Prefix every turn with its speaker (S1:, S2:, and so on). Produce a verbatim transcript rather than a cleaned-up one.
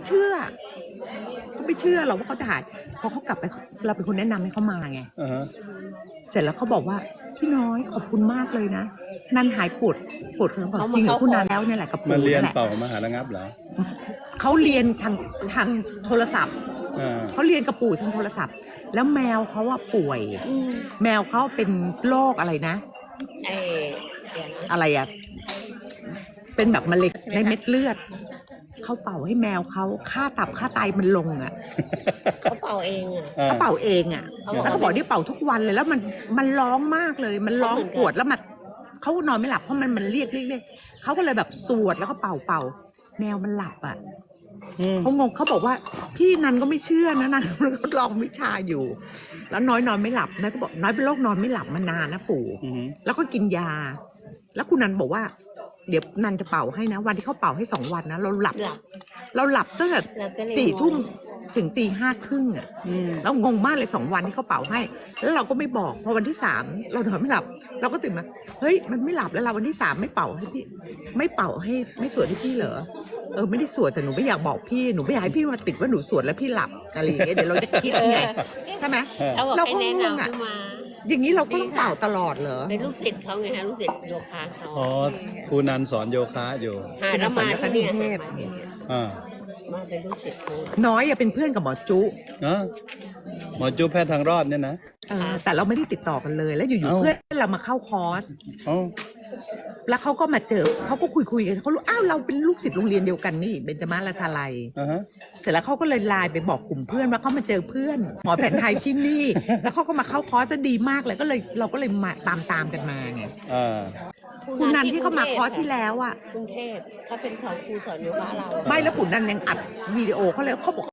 S1: เชื่อเขาไม่เชื่อเราว่าเขาจะหายพอเขากลับไปเราเป็นคนแนะนำให้เขามาไง
S2: uh-huh.
S1: เสร็จแล้วเขาบอกว่าพี่น้อยขอบคุณมากเลยนะนันหายปวดปวดเขาบอกจริงเหรอคุณนันแล้วเนี่ยแหละกับปู่
S2: มาเรียน
S1: นั่นแหละ
S2: เป่ามหาระงับเหรอ
S1: เขาเรียนทางทางโทรศัพท์
S2: uh.
S1: เขาเรียนกับปู่ทางโทรศัพท์ แล้วแมวเขาว่าป่วยแมวเขาเป็นโรคอะไรนะ
S3: เออเดี๋ยวนะ
S1: อะไรอะเป็นแบบมะเร็งในเม็ดเลือดเขาเป่าให้แมวเขาค่าตับค่าไตมันลงอ่ะ
S3: เขาเป่าเองอ่ะ
S1: เขาเป่าเองอ่ะ
S3: เขาบอก
S1: เขาบอกที่เป่าทุกวันเลยแล้วมันมันร้องมากเลย มันร้องปวดแล้วมันเขานอนไม่หลับเพราะมันมันเรียกเรียกเรียกเขาก็เลยแบบสวดแล้วก็เป่าเป่าแมวมันหลับอ่ะเขางงเขาบอกว่าพี่นันก็ไม่เชื่อนะนันทดลองวิชาอยู่ แล้วน้อยนอนไม่หลับนะก็บอกน้อยเป็นโรคนอนไม่หลับมานานนะปู่แล้วก็กินยา แล้วคุณนันบอกว่าเดี๋ยวนันจะเป่าให้นะวันที่เขาเป่าให้สองวันนะเราหลับ
S3: หลับ
S1: เราหลับตั้งแต่
S3: เราก็เลย
S1: สี่ทุ่ม
S3: งง
S1: ถึงตีห้าครึ่งอ่ะเรางงมากเลยสองวันที่เขาเป่าให้ แล้วเราก็ไม่บอกพอวันที่สามเรานอนไม่หลับ เราก็ตื่นมาเฮ้ยมันไม่หลับแล้วเราวันที่สามไม่เป่าให้พี่ไม่เป่าให้ไม่สวดให้พี่เหรอเออไม่ได้สวดแต่หนูไม่อยากบอกพี่หนูไม่อยากให้พี่มาติดว่าหนูสวดแล้วพี่หลับอะไรอย่างเงี้ยเดี๋ยวเราจะคิดไงใช่ไหม
S3: เขาบอก
S1: เรา
S3: ให้
S1: ก็
S3: แนะ
S1: งง
S3: นำ
S1: อ่ะ
S3: ขึ้นมา
S1: อย่างนี้เราก็ต้องเป่าตลอดเหรอ
S3: เป็นลูกศิษย์เขาไงฮะลูกศิษย์โยคะเขา
S2: อ๋อครูนันสอนโยคะอยู่
S3: หาแล้วมาที่เนี่ย
S1: เทพ
S3: มาที่เนี่ย
S2: อ่า
S3: มาเป็นลูกศิษย์เขา
S1: น้อยอะเป็นเพื่อนกับหมอจุ
S2: เนาะหมอจูแพทย์ทางรอดเนี่ยนะ
S1: เออแต่เราไม่ได้ติดต่อกันเลย แล้วอยู่ๆ
S2: เอ้า
S1: เพื่อนเรามาเข้าคอร์ส
S2: อ๋อ
S1: แล้วเขาก็มาเจอเขาก็คุยคุยๆกันเขารู้อ้าวเราเป็นลูกศิษย์โรงเรียนเดียวกันนี่เบญจมาราชาลัย
S2: อ่าฮะ
S1: เสร็จแล้วเขาก็เลยไลน์ไปบอกกลุ่มเพื่อนว่าเขามาเจอเพื่อนหมอแผนไทยที่นี่ แล้วเขาก็มาเข้าคอร์สจะดีมากเลยก็เลยเราก็เลยมาตามตามๆกันมาไง
S2: อ่า
S1: คุณนันที่เขามาคอร์สที่แล้วอ่ะ
S3: กรุงเทพเขาเป็นสอนครูสอนโยคะเราอะ
S1: ไม่แล้วคุณนันยังอัดวิดีโอเขาเลยเขาบอก